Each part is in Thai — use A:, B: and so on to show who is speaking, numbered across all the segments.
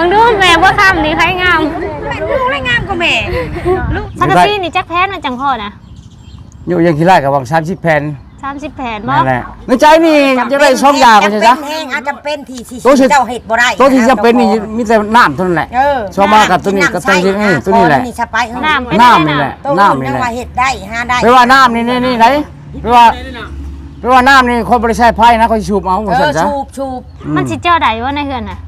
A: งดูแม่บ่คำนี่ใครงาม
B: ลูกได้งามกว่าแม่ลูก
A: สักซี่นี่จักแพนมันจังพ่อนะ
C: อยู่ยังขี้ไล่กับวัง30 แผ่น
A: 30 แผ่นบ่
C: นั่นแหละในใจนี่จะได้2อย่างก็ใช่จ้ะ
B: แห้งอาจจะเป็นที่เจ้าเห็ดบ่ได้
C: ตัวที่จะเป็นนี่มีแต่น้ำเท่านั้นแหละชอบมากับตัวนี้กับตัวนี้ตัวนี้แหละน้ำนี่แหละน้ำนี่แหละ
B: เห็ดได้หาได้
C: ไม่ว่าน้ำนี่ไหนไม่ว่าน้ำนี่คนบริษัทไพ่นะเขาชูบเอาหมดจ้ะ
B: ชูบ
A: มันสิเจ้าใดวะในเฮือนน่ะ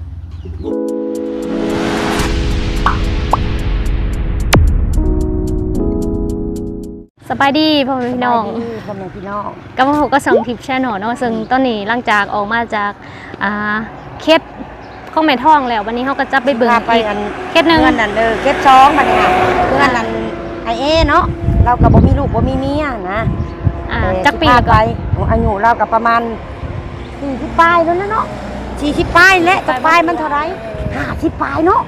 A: สบายดีพ่อแม่พี่น้องกับพวกก็ส่งคลิปแชร์หน่อยเนาะซึ่งตอนนี้หลังจากออกมาจากเคสของแม่ท้องแล้ววันนี้เขาก็จะไปเบิ่งอีกเคสหนึ่ง
B: เงินนั่นเคส2บัดนี้เงินนั่นไอเนาะเรากับบ่มีลูกบ่มีเมียนะ
A: จักปี
B: ไปอายุเรากับประมาณ40ปลายแล้วนะเนาะ40ปลายและจักปลายมันเท่าไร50ปลายเนาะ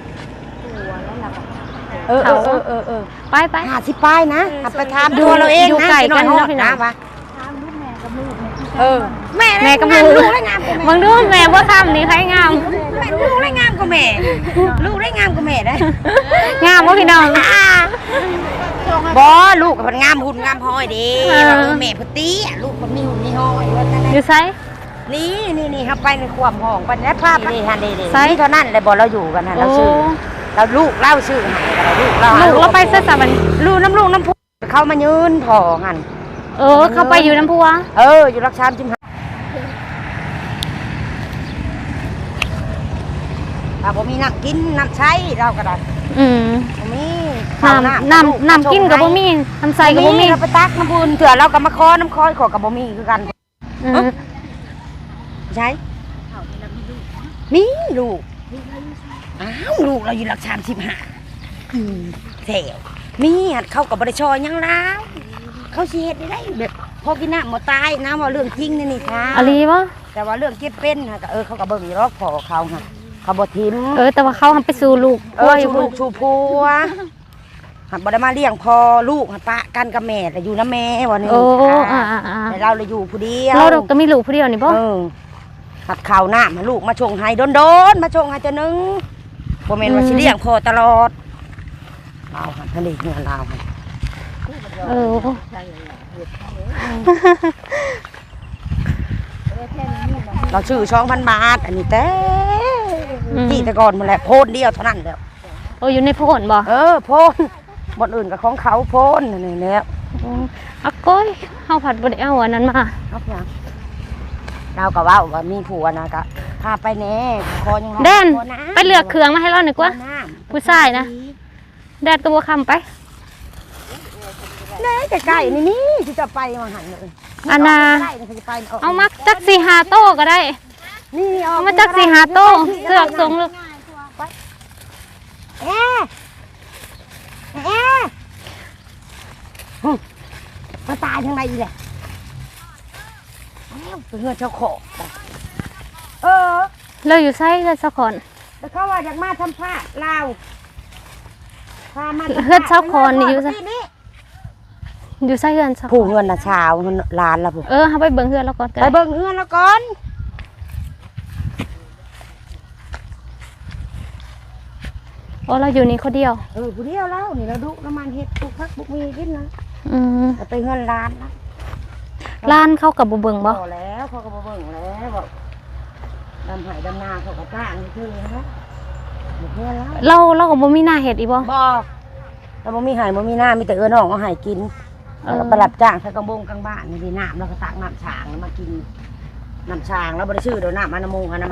A: ไป
B: 50ปลายนะไปถามดูเราเองนะ
A: ไก่กันนะ
B: วะถามลูกแม่กับลูกแม่
A: กับลูกได้งามกว่ามึงดูแม่บ่คำนี่ใครงาม
B: ลูกได้งามกว่าแม่ลูกได้งามกว่าแม่ได้
A: งามบ่พี่น้อง
B: บ่ลูกมันงามหุ่นงามห้อยดีแม่พุตีลูกมันมีหุ่นมีห้อย
A: อยู่ไส
B: นี่ครับไปในความห้องไปแล้วภาพนี่ฮันดีนี่เท่านั้นเลยบ่เราอยู่กันฮะเราชื่อเราลูกเล่าชื่อลูก
A: เราไปซะมัน
B: ลูกน้ำพุเขามายืนถอหัน
A: เขาไปอยู่น้ำพุวะ
B: อยู่รักชามจิ้มเราบ่มีน้ำกินน้ำใช้เราก็ได้บ่มี
A: น้ำกินกับบ่มีน้ำใส่กับบ่มี
B: เราไปตักน้ำบุญเถื่อเราก็มาคอน้ำคอยขอกับบ่มีคือกันใช่มีลูกลูกเราอยู่หลัก35แถวมีหัดเข้ากับบริชอยยังแล้วเขาเสียได้แบบพอกินน้ำหมดตายน้ำว่าเรื่องจริงนี่ค่ะ
A: อะไรวะ
B: แต่ว่าเรื่องเก็บเป็นค่ะเขากับเบิ่งรอกพอเขาค่ะเขาบ่ทิม
A: แต่ว่าเขาทำไปสู่ลูก
B: ชูลูกชูพัวหัดบ่ได้มาเลี้ยงพอลูกหัดปะกันกับแม่แต่อยู่น้ำแม่วันนี้แต่เราเลยอยู่ผู้เดียว
A: เราก็มีลูกผู้เดียวนี่ป่ะ
B: หัดข่าวหน้ามาลูกมาชงให้โดนมาชงให้จะนึงบ่แม่นว่าสิเลี้ยงพอตลอดเราหัดทะเลเงินเราเราชื่อ2,000 บาทอันนี้ที่แต่ก่อนมันแหละโพนเดียวเท่านั้นแล้ว
A: อยู่ในโพนบ่
B: โพนบนอื่นกับของเขาโพนนี่แล้ว
A: ก้อยเฮาผัดบ่ได้เอาอันนั้นมา
B: เราก็ว่ามีผัวนะก็พาไปแน่คอยัง
A: แดนไปเลือกเครื่องมาให้เราหน่อยกว่าผู้ชายนะแดดก็บ่คำไป
B: ใกล้ๆนี่ที่จะไปมาหันเลย
A: อันน่ะเอามาจัก4-5 โต๊ะก็ได้
B: นี่
A: เอามาจัก4-5 โต๊ะเสือกทรงลึก
B: มาตายทางไหนอีกแหละเป็นเงินเจ้าของ
A: เราอยู่ไซส์กันสักคน
B: แต่เขาว่าอยากมาทำผ้าลาว
A: เฮือนเช้าคอนนี่อยู่ไซอยู่ไซเฮือนเช้า
B: ผู้เงินนะชาวล้านละผู้
A: เขาไปเบิ่งเฮือนแล้วก่อน
B: ไปเบิ่งเฮือนแล้วก่อน
A: เราอยู่นี่คนเดียว
B: ผู้เดียวแล้วนี่เราดุน้ำมันเห็ดปลูกพักปลูกมีกินนะไปเฮือนล้านนะ
A: ล้านเข้ากับบุเบิ่งบ่
B: แล้วเขาก็บุเบิ่งแล้วบอกดำหายดำนาเขาก็จ้างนี่คือนะ
A: เราก็บ่มีหน้าเห็ดอีบ่
B: เราบ่มีหายบ่มีหน้ามีแต่น้องเอาหายกินแล้วไปรับจ้างใส่กระบงกลางบ้านนี่ดีน้ำแล้วก็ตักน้ำช้างแล้วมากินน้ำช้างแล้วบ่ได้ชื่อเดี๋ยวน้ำอนามัย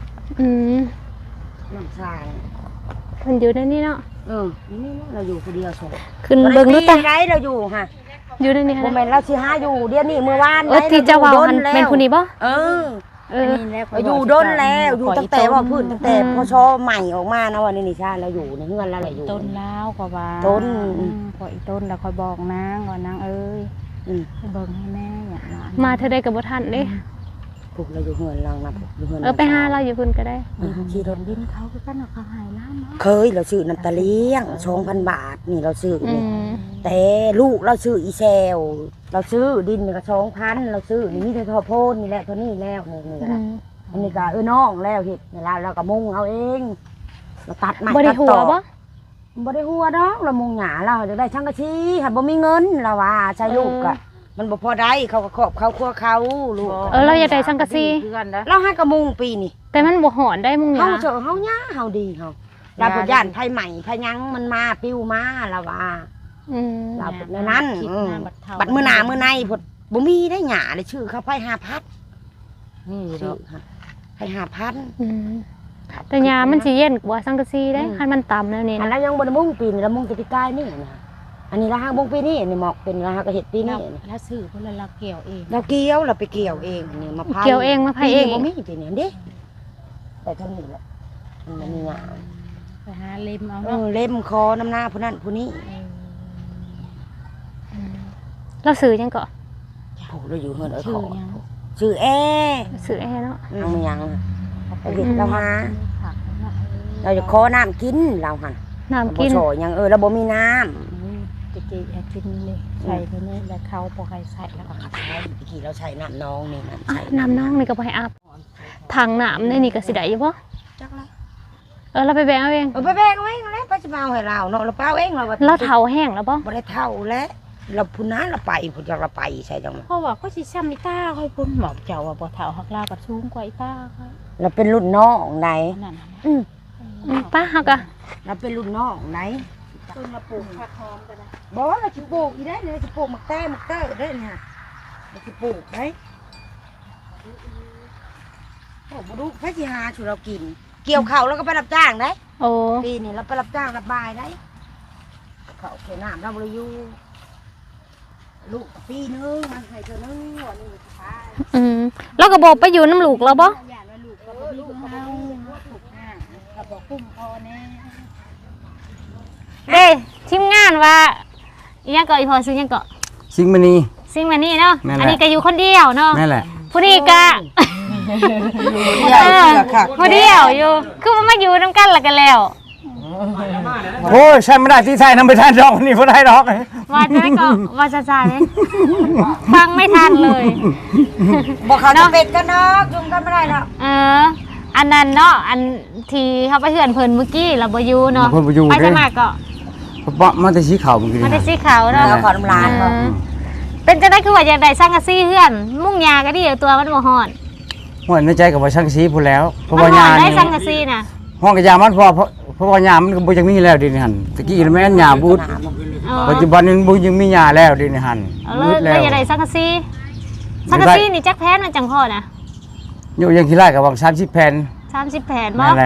B: น้ำช้าง
A: มันอยู่ในนี้เนาะ
B: นี่เราอยู่คนเดียวโซ่
A: ขึ้นเบิ่งดูแต่
B: ไรเราอยู่ค่ะ
A: อยู่ในนี้
B: โมเมนต์เราสิหาอยู่เดี๋ยวนี้เมื่อวาน
A: ที่จะว่าเป็นคนนี้บ่
B: อยู่ดนแล้วอยู่ตั้งแต่ว่าพื้นตั้งแต่พอชอใหม่ออกมานะวันนี้นิชาเราอยู่ในเฮือนแล้วแหละอยู่
D: ต้นแล้วกว่า
B: ต้น
D: พออีต้นแล้วคอยบอกนางก่อนนางเอ้ยเบิ่งให้แม่อย่างนั้น
A: มาเธอได้กับบ่ทันเด้
B: พวกเราอยู่เฮือนเรานะอยู่เฮือน
A: ไปหาเราอยู่พุ่นก็ได้
B: ขี่รถ
D: ดินเขาก็กันเขาหายน้ำเนาะ
B: เคยเราซื้อน้ำตาเลี้ยง2,000 บาทนี่เราซื้อนี่แต่ลูกเราซื้ออีเซลเราซื้อดินก็2,000เราซื้อนี่มีแต่ทอโพนนี่แหละเท่านี้แล้วนี่ก็อันนี้ก็น้องแล้วเห็ดนี่เราก็มุ่งเอาเองเราตัดไม้
A: บ่ได้
B: ตัด
A: หั
B: ต่
A: ว
B: อ
A: บ่
B: บ่ได้หัวดอกเรามุงหญ้าเราจะได้ช่างกะชีหันบ่มีเงินเราว่าใช้ลูกอะมันบ่พอได้เขาก็ครอบเขาครัวเขาลูก
A: เราอยากได้สังกะสี
B: เราให้กระมุงปีนี่
A: แต่มันบ่หอนได้มุงห
B: เฮา
A: ญ้า
B: เจอเฮาหญ้าเฮาดีเฮาเราบ่ย่านไผใหม่ไผยังมันมาปิ้วมาเราว่า
A: อืม
B: เราเป็นในนั้นบัดมื้อหน้ามื้อในพุ่นบ่มีได้หญ้าเลยชื่อเขาไผ5,000นี่ดอกไผ5,000
A: อืมแต่หญ้ามันสิเย็นกว่าสังกะสีได้คันมันต่ำแล้วนี่
B: อัน
A: นะ
B: นั้นยังบ่ได้มุงปีนี่ละมุงแต่ปีกายนี่นะอันนี้ละหางมุงปีนี้นี่หมอกเป็นละหางก็เฮ็ดปีนี้
D: แล้วซื้อเพิ่นละเกี่ยวเอง
B: เราเกี่ยวเราไปเกี่ยวเองนี่มาพาย
A: เกี่ยวเองมาพายเอง
B: บ่มีปีนี้เด้แต่เท่านี้แหละมันมีหญ้า
D: ไปหาเล็มเอา
B: เล่มคอน้ำหน้าผู้นั้นผู้นี้
A: เราซื้อยังก็
B: โอ้เราอยู่เฮือนเอ้ย
D: ชื่
B: ข
D: อ
B: อ
D: ยัง
B: ชื่อแอ
A: ซื้อแอร์เนาะ
B: เอามายังไปเห็นเรามา
D: ผักเนาะ
B: เราจะขอน้ำกินเราหั่น
A: น้ำ
B: บ่
A: กิน
B: โชยังเราบ่มีน้
D: จะกินเลยใส่ไปนี่แล้วเขาบ่ให้ใส่แล้วก็
B: ำใช่เมื่อกี้เราใช้น้ำน้องนี่น้ำ
A: อ่ะ
B: ใช้
A: น้ำน้องนี่ก็บ่ให้อาบถังน้ำในนี่ก็สิได้อยู่บ่
B: จักละ
A: เราไปแบ่งเอาเอง
B: ไปแบกเอาเองแล้วป้าจะมาเอาให้เราเนาะเราเป้าเองเรา
A: เราเฒ่าแห้งแล้วบ่
B: บ่ได้เท่าแล้วเราพุ่นน้าเราไปพุ่นจากเราไปใช่จัง
D: เพราะว่าก็สิซ้ำอีตาค่อยพุ่นหมอกเจ้าว่าบ่เฒ่าฮักลาก็สูงกว่าอีตาค่อย
B: เราเป็นรุ่นน้องไหน
D: นั่น
A: ป้าเฮาก็
B: เราเป็นรุ่นน้องไหน
D: ต้นมาปลูกผักหอมก็ได้
B: บอกว่าเราจะปลูกอีได้เลยจะปลูกมักแต้มักเต้ได้เนี่ยเราจะปลูกได้โอ้บ่ดูพระสิหาชูเรากิน เกี่ยวข้าวแล้วก็ไปรับจ้างได้
A: โอ้
B: ปีนี้เราไปรับจ้างรับบายได้ข้าวเกี่ยวน้ำเราบริยูลูกปีนึงมันให้เธอนึงวันนี้สบาย
A: เราก็บอกไปอยู่น้ำลูกแล้วบ่
D: ย่านว่าลูกก็บ่มีเฮาถูกง่ายก็บ่คุ้มพอแน่
A: เด้ทีมงานว่าอีหยังก็อีพอซื้อหยังก็
C: สิงห์มณี
A: ซิงมานี่เนาะ
C: นั่นแหละ
A: อันนี้ก็อยู่คนเดียวเนาะ
C: นั่นแหละ
A: ผู้นี้ก็
B: ใหญ่เสือค่ะ
A: ผู้เดียวอยู่คือมันมาอยู่นํกันแล้วกันแล้ว
C: โอ้ยใช่ไม่ได้ที่ไทยนำไปทานดอกนี่บ่ได้ดอก
A: ว่าจะได้ก็ว่าจะจ่ายเลยฟังไม่ทันเลย
B: บอกเขาจะเป็ดกันเนาะจุ่มกันไม่ได้หรอก
A: อันนั้นเนาะอันที่เขาไปเฮือนเพิ่นเมื่อกี้เราบ่อยู่เนาะ
C: เพิ่นบ่อยู่
A: ไป
C: เด้
A: สมัครก็
C: เพราะมันจะสีขาวเมื่อกี้
A: มา
C: นี่
A: ได้สีขาวเนาะ
B: เราขอน้ำลาย
A: เอ
B: เขา
A: อเป็นจังได๋คือว่าอยากได้สังกะสีเฮือน มุ่งยาก็ดีตัวมันบ่ฮ้อน
C: ห้วยในใจกับว่าช่างสีพูดแล้วเพราะ
A: มั
C: ว่าน
A: ฮ้
C: ยา
A: อนได้
C: นี่
A: สังกะสีน่ะ
C: ห้องกระยามันเพราะว่ายามันก็บ่ยังมีแล้วเดินี่หั่นตะกี้แม่นยาบูด
A: เออ
C: ปัจจุบันนี้บ่ยังมียาแล้วเดินี่หั่น
A: เอา
C: บูด
A: เล
C: แล้
A: ยว อยากได้สังกะสีสังกะสีนี่จักแพนมันจังพอนะ
C: อยู่ยังขี้ไล่กับว่า30แผ่น
A: 30แผ่นบ่
C: นั่นแหละ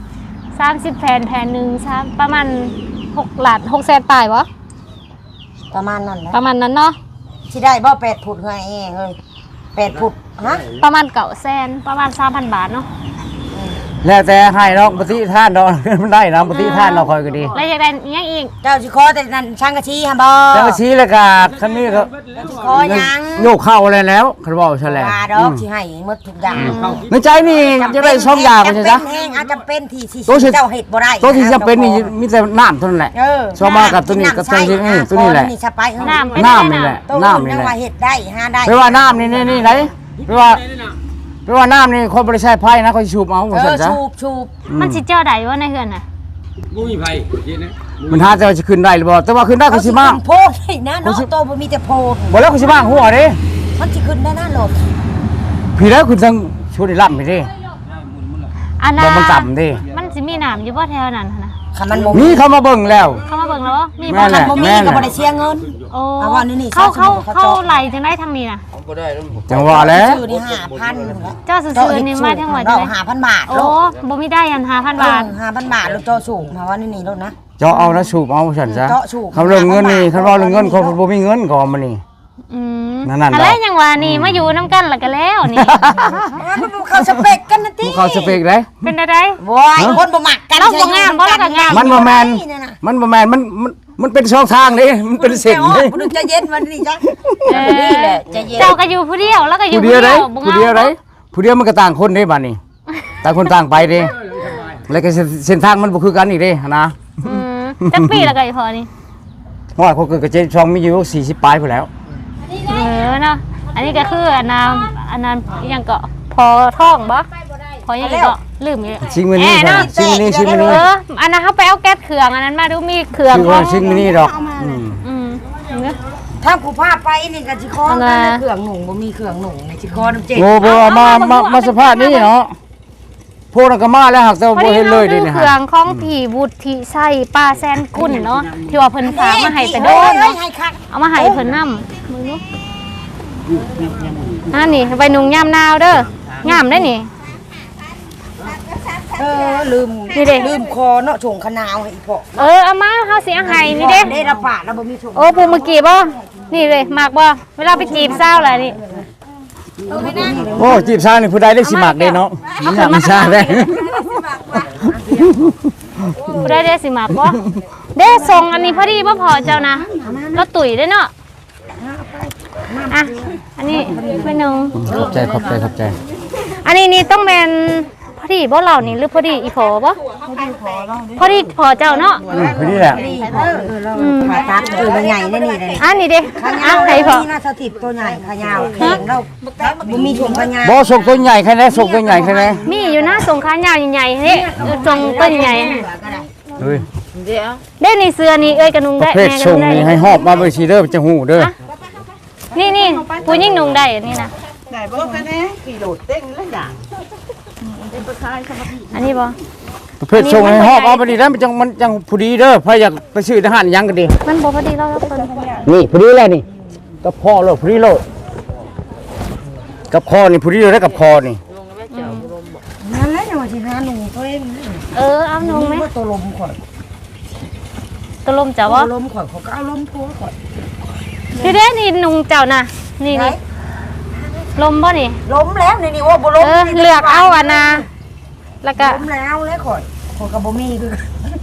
A: 30แผ่นแผ่นหนึง3ประมาณ6ล้าน6แสนปลายบ่
B: ประมาณนั้นแหละ
A: ประมาณนั้นเนาะ
B: ที่ได้บ่8 ผุดเฮ้ยเองเฮ้ย8 ผุดฮะ
A: ประมาณ9แสนประมาณ 3,000 บาทเนาะ
C: แล้วแต่ให้ดอกปฏิทานดอก มันได้นะปฏิทานเราคอยก็ดี
A: แล้วอยากได้อิหยังอีก
B: เจ้าสิขอแต่นั่นช่างกะชีฮะบ่
C: แต่ว่าชี้แล้วก็คันนี้ก็
B: ขอหยัง
C: โยกเข้าอะไรแล้วคันบอกซะแล้ว
B: ว่าดอกสิให้หมดทุกอย่าง
C: ในใจนี่จะได้ช่องยาวไป
B: จำ
C: ใช่
B: เป็
C: จ๊ะ
B: นแห้งอาจจะเป็นที่สิ
C: ตัวสิ
B: เจ้าเฮ็ดบ่ได้
C: ตัวที่จะเป็นนี่มีแต่น้ำเท่านั้นแหละ ชอบมากับตัวนี้กับตัวนี้ตัวนี้แหละ
B: นี่สไปเฮ้ย
A: น้ำเป็น
C: น้ำ
A: ได้
C: นี่แห
A: น่ะ
C: ละ
B: ตัว
C: น้ำ
B: อื่น
C: นี่
B: ยัง
C: แหละ
B: ว่าเฮ็ดได้หาได้
C: ไม่ว่าน้ำนี่ไหนไม่ว่าน้ำนี่คนบริษัทไพ่นะเขาชูบเอาหมดสันจ้ะ
B: ชูบ
A: มันสิเจ้าใดวะในเฮือนน่ะ
E: บ่มีไผเย็นนะ
C: มันหาจะขึ้นได้หรือเปล่าแต่ว่าขึ้นได้เขาชิมาก
B: โพดให้นะเนาะโตบ่มีแต่โพด
C: บอกแล้วเขาชิมากหัวดิ
B: มันสิขึ้นได้นะโลด
C: พี่แล้วคุณต้องช่วยล่ำไปดิ
A: อัน
C: บ
A: น่ะ
C: อกมันต่ำดิ
A: มันสิมีน้ำอยู่บ่แถวนั้นหั่นน่ะ
B: คันมันบ่
C: นี่เขามาเบิ่งแล้ว
A: เข้ามาเบิ่งแล้วบ่มี
C: แม่
A: บ่
C: แหละ
B: บ่มีก็บ่ได้เสียเงิน
A: โอ้
B: เอาว่านี่
A: เข้า
B: เขา
A: ไหลจังได๋ทางนี้น่ะ
E: บ่ได้แล้ว
C: จังหวะแล้ว
B: ซื้อนี่5,000นึงแล้ว
A: เจ้าซื้อๆนี่มาทั้งหมด
B: เรา
A: ใช่ไหม
B: 5,000 บาท
A: โอ้บ่มีได้อัน5,000 บาท
B: 5,000 บาทแล้วเจ้าสูงมาว่านี่โลดนะ
C: เจาะเอาแล้วสูบเอาฉันจ้ะ
B: เจาะสูบ
C: เขาเรื่องเงินนี่เขาบอกเรื่องเงินเขาบ่มีเงินก่อนมานี่ นั่นๆ
A: อะไร
C: ดอก
A: ยังว่านี่มาอยู่นํกันแล้วก็แล้วนี่
B: เขาสเปกกันนะติ
C: เขาสเปกได้
A: เป็นได้
B: โว้ยคนบ่มักกัน
A: เราบ่งามบ่เราก็งาม
C: มันบ่แมนมันเป็นช่องทางนี่มันเป็นเส้น
B: นี่
C: นี่
B: มันจะเย็นมันนี่จ้ะ
A: เอ
B: นี่
A: อ
B: แหละจะเย็น
A: เจ้าก็อยู่ผู้เดียวแล้วก็อยู่
C: ผู้
A: ผู้
C: เดี
A: เดี
C: ย
A: ยว ว
C: ได้ผู้เดียวได้ผู้เดียวมันก็ต่างคนได้บ้านนี้ต่างคนต่างไปเด้แล้วก็เส้นทางมันบ่คือกันอีกเด้นะ
A: จักปีแล้วก็อีพอนี่
C: ว่าเขาเกิดกับเจ๊ช่องมีอยู่40ปลายพุ่นแล้ว
A: เนาะอันนี้ก็คืออันนั้นอิหยังก็พอท้องบ่พอยังอีกก็ลืมอยู่
C: ชิงมินี่
A: เนาะ
C: ชิงมินี่ชิงมินี่
A: อันนั้นเขาไปเอาแก๊สเครื่องอันนั้นมาดูมีเครื่อง
C: คือว่าชิงมินี่ดอก
B: ถ้ากูพาไปนี่ก็สิคอเครื่องหนุ่งบ่มีเครื่องหนุ่งในสิคอน้ำเจ็ด
C: โอ้บ่มาสภาพนี้เนาะพวกนั้นก็มาแล้วหักแต่บ่เห็นเลยดิ
A: เค
C: เนี่ย
A: รื่องของผีวุฒิไส้ป้าแซนกุลเนาะที่ว่าเพิ่นฝากมาให้แต่โดนเนาะเอามาให้เพิ่นนำมึงเนาะนี่ไปนุ่งยามนาวเด้องามได้นี่
B: ลืมคอเนาะชงขนาวให้อีพ่อ
A: เอามาเฮาสิเอาให้นี่เด้
B: ได้ระบาดแล้วบ่มีชง
A: โอ้ปูเมื่อกี้บ่นี่เลยมากบ่เวลาไปจีบสาวล่ะนี่
C: โอ้จีบชายนี่ผู้ใดได้สิมักเด้เนาะมันอยากมีชาได้
A: ผู้ใดได้สิมากบ่เด้ส่งอันนี้พอดีบ่พอเจ้านะเราตุ๋ยได้เนาะอ่ะอันนี้ไปหนึง
C: ขอบใจ
A: อันนี้นี่ต้องแม่นพอดีบ่เรานี่หรือพอดีอีพอบ่พอดีพอเจ้าเนาะ
C: ผู้นี้แหละ
B: ขาตัดตัวใหญ่นี่เลย
A: อันนี้เด้ให้พอ
B: นี่น่าสถิตตัวใหญ่ขยาวแข็งแล้วบ่มีชงขยาว
C: บ่ส่งตัวใหญ่แค่ไหนส่งตัวใหญ่แค่ไหน
A: มีอยู่นะส่งขายาวใหญ่ๆเฮ้ส่งต้นใหญ่
C: เฮ้ย
A: เด้นี่เสื้อนี่เอ้ยกระนุง
C: ป
A: ได้
C: ระเภทส่งนี่ให้หอบมาบ่สิเด้อจะฮู้เด้อ
A: นี่ผู้หญิงนุงได้อันนี้นะอันนี้บ่
C: ประเภทส่งให้หอบเอาไปดิแล้วมันจังผู้ดีเด้อพาอยากไปซื้อทหารยังก็ดี
A: มันบ่พอดีเราเพิ่น
C: นี่ผู้ดีแล้วนี่กับคอโลดผู้ดีโลดกับคอนี่ผู้ดีโลดได้กับคอนี่
B: นั่นแหละจังว่าสิหาหนุ่งเพิ่น
A: เอานุงไหม
B: ตัวลมข่อย
A: ตะลมเจ้าบ่
B: ตัวลมข่อยเขาก็เอาลมพัวข่อย
A: นี่เด้นี่นุงเจ้าน่ะนี่ลมบ่นี่
B: ล้มแล้วนี่ว่าบ่ล้ม
A: เลือกเอาอันน่ะแล้วก็
B: ล้มแล้วเลยข่อยก็บ่มีคือ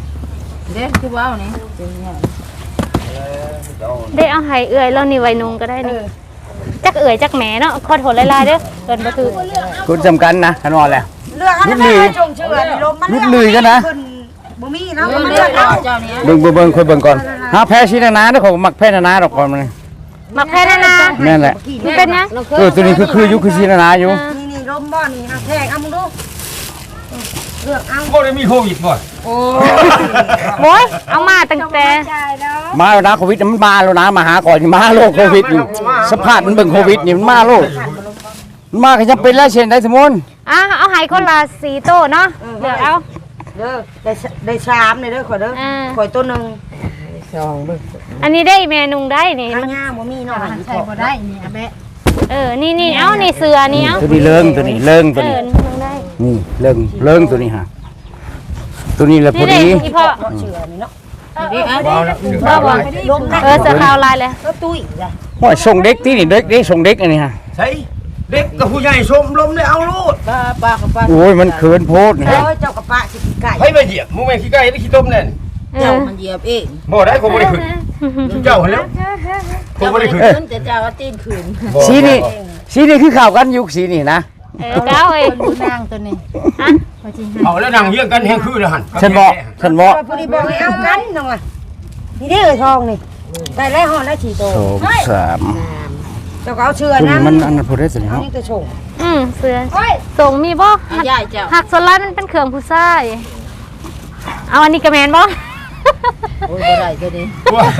A: ได้เอาให้เอื้อยแล้วนี่ไว้นุงก็ได้นี่จักเอื้อยจักแหมเนาะขอโทษหลายๆเด้อเกินบ่ถือ
C: คุณจำกันนะคันว่าแล้ว
B: เลือกอันนั้นไม่ชงเชื่อนี่ลมมัน
C: ลุดลุยกันนะ
B: บ่มีเนาะมันเลือกเอา
C: เบิ่งค่อยเบิ่งก่อนหาแพ้ชิ้นนาเด้อของมักแพ้นาดอกก่อนมัน
A: มักแพ้นานา
C: แม่นแหละ
A: มันเป็นหยัง
C: ตัวนี้คืออยู่คือชิ้นนาอยู่
B: นี่ลมบ่นี่นะแทกเอามึงดูเลือกเอา
E: บ่ได้มีโควิดบ่
B: โอ้
A: โอ้ยเอามาตั้งแต่
C: มาแล้วนะโควิดมันมาแล้วนะมาหาก่อนมาโรคโควิดนี่สภาพมันเบิ่งโควิดนี่มันมาโรคมันมาก็ยังเป็นแล้วเช่นได้สมุน
A: เอาให้คนละ4โต๊ะเนาะเลือกเอา
B: เด้อได้ชามเลยเด้อข่อยเด้อข่อยตัวนึง
A: อันนี้ได้แม่นุงได้นี่
B: ข้างหน้าบ่มีเนาะใช่บ่ได้นี่อะแบะ
A: นี่เอานี่เสือนี่เอา
C: ตัวนี้เลิงตัวนี้เลิงตัวนี้
A: นุงได้
C: นี่เลิงตัวนี้ฮะตัวนี้แหละพอ
A: นี่
C: ดี
A: เด้อีพ่อ
B: เชื่อนี่เนาะ
A: บ่บ่
B: ลมนะ
A: เสือขาวลายเลย
B: ก็ตุ้ยจ้ะ
C: ว่าส่งเด็กที่นี่เด็กส่งเด็กอันนี้ฮะ
E: ใช่เด็กกับผู้ใหญ่ชมลมได้เอาโลด
C: โอ้ยมันเขินโพดนี่
B: เอ้ยเจ้ากระปะสิไก่
E: ให้มาเหยียบมึงแม่ขี้ไก่ได้ขี้ต้มแน่น
B: เจ้ามันเหยียบเอง
E: บ่ได้คงบ่ได้ขึ้นเจ้าหั่นแล้วคงบ่ได้ขึ้น
B: แต่เจ้าก็ตีนขืน
C: สีนี่คือข่าวกันยุคสีนี่นะ
A: เก้าเอ้ย
B: นางตัวนี้
E: เอาแล้วนั่งเฮียงกันแฮงคือแล้วหั่น
C: ฉันบอก
B: พอดีบอกให้เอากันน้องอ่ะนี่เด้อทองนี่ได้แล้วห่อได้4โต
C: 2 3
B: เจ้าก็เอาเชื่อ
C: ตัว
B: นะ
C: นี้มันอันนั้นพูดได้สิ
B: เอา
C: เนาะ
B: นี่ตัวชง
A: เสือส่งมีบ่
B: ยายเจ้า
A: หักสไลด์มันเป็นเครื่องผู้ชายเอาอันนี้กระแมนบ่
B: โอ้ยบ่ได้ตัวนี้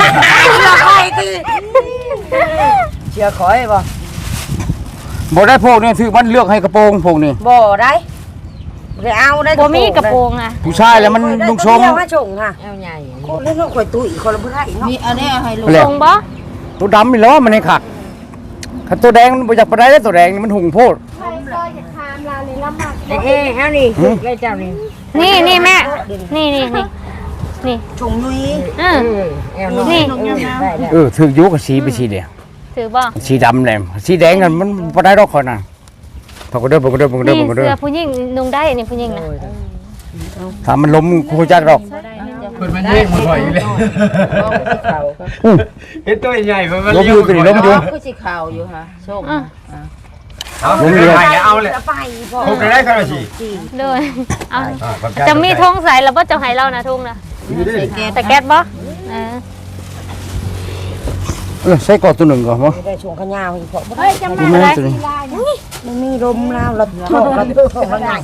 B: เชื่อคอยบ่
C: บ่ได้พวกนี้ถือมันเลือกให้กระโปรงพวกนี้
B: บ่ได้ได้เอาได้
A: บ่มีกระโปรงอ่ะ
C: ผู้ชายแล้วมันลุงชม
B: มาชงค่ะเอาใหญ่คนเล่นข่อยตุ้ยคนละบ่ได้เนาะมีอันนี้เอาให้ลูก
A: ส่งบ่
C: ตัวดำนี่แล้วมันให้ขัดขัดตัวแดงมันบ่อยากไปได้แล้วตัวแดงนี่มันหุงโพด
B: เอ้เฮานี่ได้เจ้านี่
A: นี่แม่นี่
B: ชงนุ้ย
A: นี่
C: ถือยุกับสีไปสีเดียว
A: ถือบ่
C: สีดำแหลมสีแดงกันมันบ่ได้ดอกคนน่ะพอกระเด้อ
A: นี่เสื้อผู้หญิงนุ่งได้นี่ผู้หญิงนะ
C: ถ้ามันล้มกูจักดอก
E: เพิ่นมันเย่งบ่ถอยเลยเฮ็ดตัวใหญ่ๆมัน
C: ล้มอยู่ตัวนี้ล้มอยู่
B: คือสิขาวอยู่ค่ะชง
E: เอาเลยเอาเลย
B: ไปบ่
E: คงได้กันสิ
A: เลยเอาจะมีธงใส่แล้วบ่จะให้เรานะธงนะแต่แก๊สบ่
C: ใส่กอดตัวหนึ่งก่อนบ่
B: ได้ชงขยาวอีกพอ
A: เฮ้ยจำมา
C: แม่
A: อะไร
C: ตัวนี้
B: มันมีลมแล้วเราท้องเราใหญ่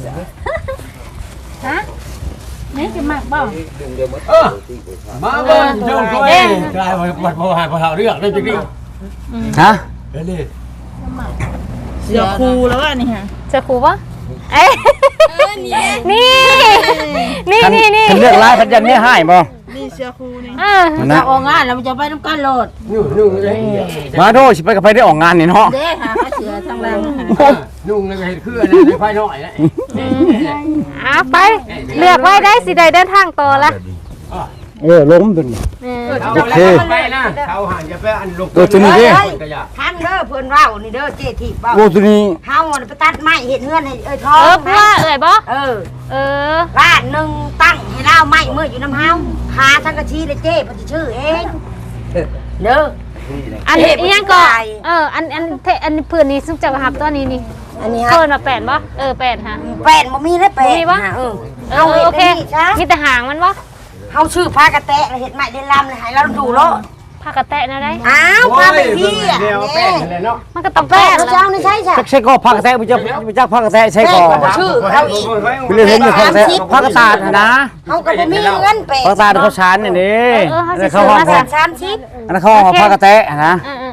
D: นี่จะมักบ่
E: มาเบิ่งเจ้าตัวเองกลายมาบัดบ่หายบ่หาเรื่องได้จริง
C: ฮะ
E: ๆเด้นี่
D: เสือคูแล้วอันนี้ฮะ
A: เจอครูปะเอ้ยนี่นี่
C: คัน
A: นี่นี่
C: คันเลือกลายพันยันเนี่ยให้บ่
D: นี่เสือคูนี่
C: นะ
B: ออกงานแล้วมันจะไปน้ำกันโหลด
E: นุ่งเลย
C: มาโดสิไปกับไปได้ออกงานนี่เนาะ
B: เด้หาเสือทางหลัง
E: นุ่งเลยเห็นคืออันนั้นไฟน้อยนะ
A: ไปเลือกไว้ได้สิได้เดินทางต่อละ
C: ล้มตัวนี้ โอเค
E: ไปนะเขาหันจะไปอันลง
C: ตัวนี้ดิ
B: ท่านเด้อเพิ่นว่าวนี่เด้อเจทีบว่าว
C: โอ้ตัวนี้
B: เฮาไปตัดไม้เห็ดเงื่อนให้ทอ
A: เอง อเพื่อเอ่ยบ่
B: เออ
A: เออ
B: ร้านหนึ่งตั้งให้เล่าไม้มืออยู่น้ำเฮาคาทั้งกะชีเลยเจ้เพิ่นจะชื่อเองเด้อ
A: อันนี้ยังก็อันพื้นนี้ซึ่งจะหับตัวนี้นี่
B: อันนี้ฮะ
A: เพิ่นมาแปดบ่แปดฮะ
B: แป้นบ่มีเลยแป้น
A: มีปะ
B: เฮาเฮ็ด
A: โอเค
B: ได้นี่ซะ
A: มีแต่หางมันบ่
B: เฮาชื่อพากระแตะแล้วเฮ็ดไม้เล่นลำเลยให้เราดูโลด
A: ผ้ากระแตะนะได้
B: อ้าวพาไปพี่อ่ะ
E: เดี๋ยวแป้งเลยเนาะ
A: มันก็ต้อง
B: แป้
A: แป
B: น
A: ด
B: เจ้านี่ใช่จ้ะ
C: ใช่ก็พักกระแทกมันจะพักกระแทกใช่ก็
B: แป้งชื่อเขาอีก
C: ไปเรียนเห็นอยู่พักกระแทกพักกระตาดนะ
B: เฮาก็บ่มีเงินแป้น
C: พักกระตาดเขาชานนี่นี่
A: เขาสิ
C: เขา
A: ซื้อ
C: ห้อง
A: มา
C: ขอ
A: สั่
C: ง
A: น
C: อันนั้นเขาห้องพักกระแทกนะ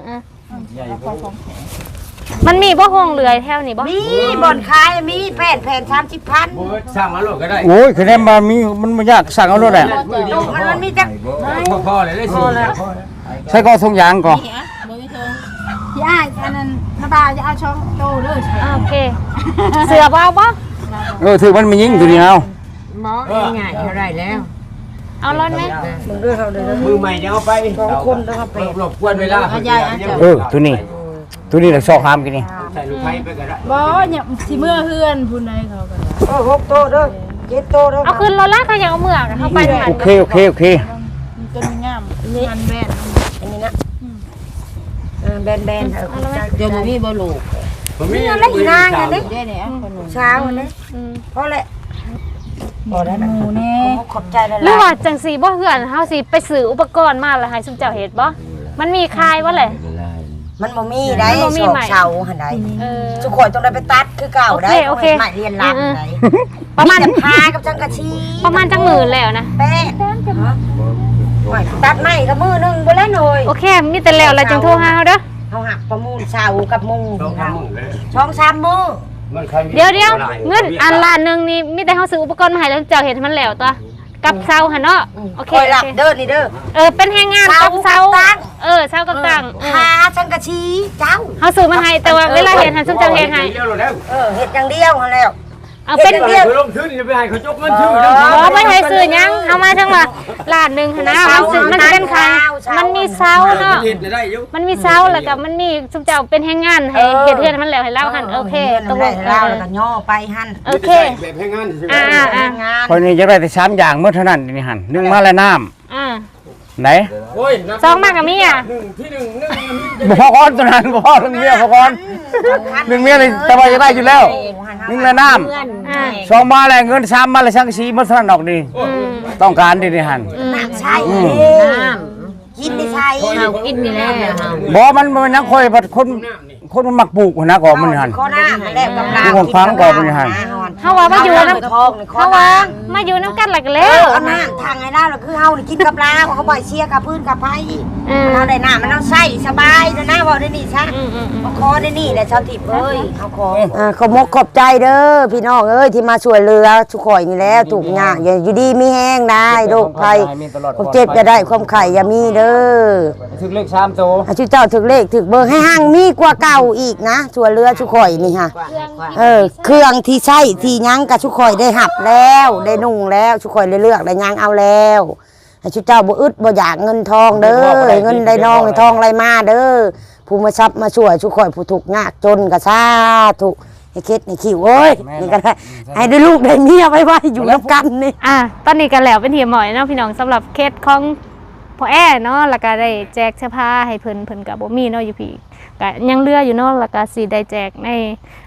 A: มันมีบ่ห้องเรือยแถวนี้บ่
B: มีบ่อนขายมีแป้นแผ่น30,000
E: สั่งมาโลดก็ได้
C: โอ้ยคือเนี่ยมันไม่ยากสั่งเอาเลยแหละ
B: มันมีจัก
E: พอเลยได้สิ
C: ใช่ก็ทรงยางก่อน
D: พี่อ้ายอันนั้นน้าบาจะเอาช่องโตเด้อ
A: โอเค เสือบ่เอาบ่
C: ถือมันไม่ยิงตัวนี้เอา
B: หมอง่ายๆเท่าไรแล้ว
A: เอารถไหม
B: มึงเด้อเขาเด้อ
E: มือใหม่เดี๋ยวเอาไป
B: 2คนเด้อครับแป้น
E: รบกวนเวลา
C: ตัวนี้แหละชอบห้ามกันนี่
E: ใส่ลูกไผ่ไปก็ได้
D: บ่เนี่ยสิเมื่อเฮือนพุ่นใดเขาก็
B: 6โตเด้อ7โตเด้อ
A: เอาขึ้นรถละเขาอยากเอาเมือกเขาไปหัน
C: โอเค
D: มันต้นงามมันแบน
B: อันนี้นะแบนๆเดี๋ยวมีบ่ลูก
E: ผมมี
B: อะไรอีนางอันนี้
D: ได้เนี่ยคนหนู
B: เช้าอันนี้พอแล้วบ่ได้นะ
D: หมูแน่
B: ขอบใจหลาย
A: หรือว่าจังสีบ่เหือนเฮาสิไปซื้ออุปกรณ์มาแล้วให้ซุมเจ้าเฮ็ดบ่มันมีคายบ่แหละ
B: มันบ่มีได้
A: มันบ่มี
B: สอบ
A: ใหม่
B: เช้าหั่นใด
A: เออ
B: ทุกคนต้องได้ไปตัดคือเก่าได้
A: โอเค
B: ใหม่เรียนรักไหน
A: ประมาณ
B: พากับจังกะชี
A: ประมาณจังหมื่นแล้วนะ
B: แป้ไม่ตัดไม่กับมือนึงบ่แล้วหน่อย
A: โอเคมีแต่แล้วแล้วจังโทรหาเฮาเด้อ
B: เฮาหักประมูลเช้ากับมุง
E: ต้องทำมึงเลย
B: ช่อง3มื้อ
A: เดี๋ยวเงินอันล้านนึงนี่มีแต่เฮาซื้ออุปกรณ์มาให้แล้วเจ้าเฮ็ดให้มันแล้วตัวกับเซาหั่นเนาะโอเค
B: คอยหลับเด้อนี่เด้อ
A: เป็นแรงงานกับเซาเซากับตัง
B: พาจังกะชีเจ้า
A: เฮาซื้อมาให้แต่ว่าเวลาเฮ็ดให้ซุมเจ้าเฮ็ดให้
E: เดี๋ยวเราแล้ว
B: เฮ็ดอย่างเดียวหั่นแล้ว
A: เอาเป็น
E: เดี๋ยวลงทุนจะไปให้เขาจกเงินชื่อ
A: บ่ไม่ให้ซื้อหยังเอามาจังว่าล้านนึงหั่นนะมันสิมันเป็นค่ามันมีเซาเนาะ
E: ได้อยู่
A: มันมีเซาแล้วก็มันมีซุมเจ้าเป็นแรงงานให้เฮ็ดเฮือนมันแล้วให้เราหั่นโอเคตกลง
B: เราแล้วก็ย่อไปหั่น
A: โอเค
E: แบบให้งาน
B: งาน
C: คนนี้จะได้แต่3อย่างเมื่อเท่านั้นนี่หันนึ่งมาแล้วน้ำไหน
E: โอ้ย
A: ซองมากกับมีอ่ะ
E: ที่หนึ่ง
C: บ่พอก้อนตัวนั้นบ่พอทั้งเมียพอก้อนหนึ่งเมียเลยแต่ว่าจะได้อยู่แล้วนึ่งแล้วน้ำสองมาแล้วเงิน3มาแล้วช่างสีเมื่อเท่านั้นดอกนี่ต้องการดินี่หัน
B: น้ำใช่กินไม่ใช่
A: กินนี่แหละ
C: บ่มันนักคอยบัดคนมันมักปลูกนะก่อมันหัน
B: ข้อหน้ามันแล้วกับ
C: ทุกคนฟังก่อนเป็นยังไง
A: เฮาว่ามาอยู่นำ
B: ทองนี่ข้อ
A: เฮา
B: ห
A: ว่า
B: น้า
A: มาอยู่นำกันแล้วก็แล้ว
B: เอาหน้าทางไงล่ะเราคือเฮานี่กินกับลาวเขาบ่อยเชียร์กับพื้นกับไผ่เราได้หน้ามันเราใส่สบายนะนะว่าได้นี่ซะคอได้นี่แหละชาวทิพย์เอ้ยเอาขอขอบมกขอบใจเด้อพี่น้องเอ้ยที่มาช่วยเหลือทุกข่อยนี่แล้วถูกยากอย่าอยู่ดีมีแห้งได้โรคภัยความเจ็บจะได้ความไข่อย่ามีเด้อ
C: ถึงเลข3โต
B: ชื่อเจ้าถึกเลขถึกเบอร์ให้ห้างมีกว่าเก่าอีกนะช่วยเหลือทุกข่อยนี่ค่ะเครื่องที่ใช้ที่ยั้งกับทุกข่อยได้หับแล้วได้นุ่งแล้วทุกข่อยได้เลือกได้ยั้งเอาแล้วให้ชื่อเจ้าบ่อึดบ่อยากเงินทองเด้อเงินได้น้องได้ทองไรมาเด้อผู้มาซับมาช่วยทุกข่อยผู้ถูกยากจนก็สาธุให้คิดให้คิวโอ้ยนี่ก็ได้ให้ได้ลูกได้เมียไว้อยู่นำกันนี่
A: ตอนนี้ก็แล้วเป็นที่หมอยเนาะพี่น้องสำหรับเคสของพ่อแอ้เนาะแล้วก็ได้แจกเสื้อผ้าให้เพิ่นก็บ่มีเนาะอยู่พี่ก็ยังเหลืออยู่เนาะแล้วก็สิได้แจกใน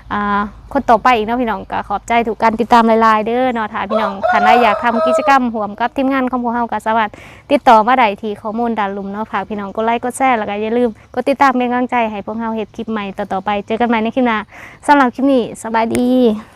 A: คนต่อไปอีกเนาะพี่น้องก็ขอบใจถูกการติดตามหลายๆเด้อเนาะถ้าพี่น้องท่านใดอยากทำกิจกรรมร่วมกับทีมงานของพวกเฮาก็สามารถติดต่อมาได้ที่ข้อมูลด้านลุ่มเนาะฝากพี่น้องกดไลค์กดแชร์แล้วก็อย่าลืมกดติดตามเป็นกำลังใจให้พวกเฮาเฮ็ดคลิปใหม่ต่อๆไปเจอกันใหม่ในคลิปหน้าสำหรับคลิปนี้สบายดี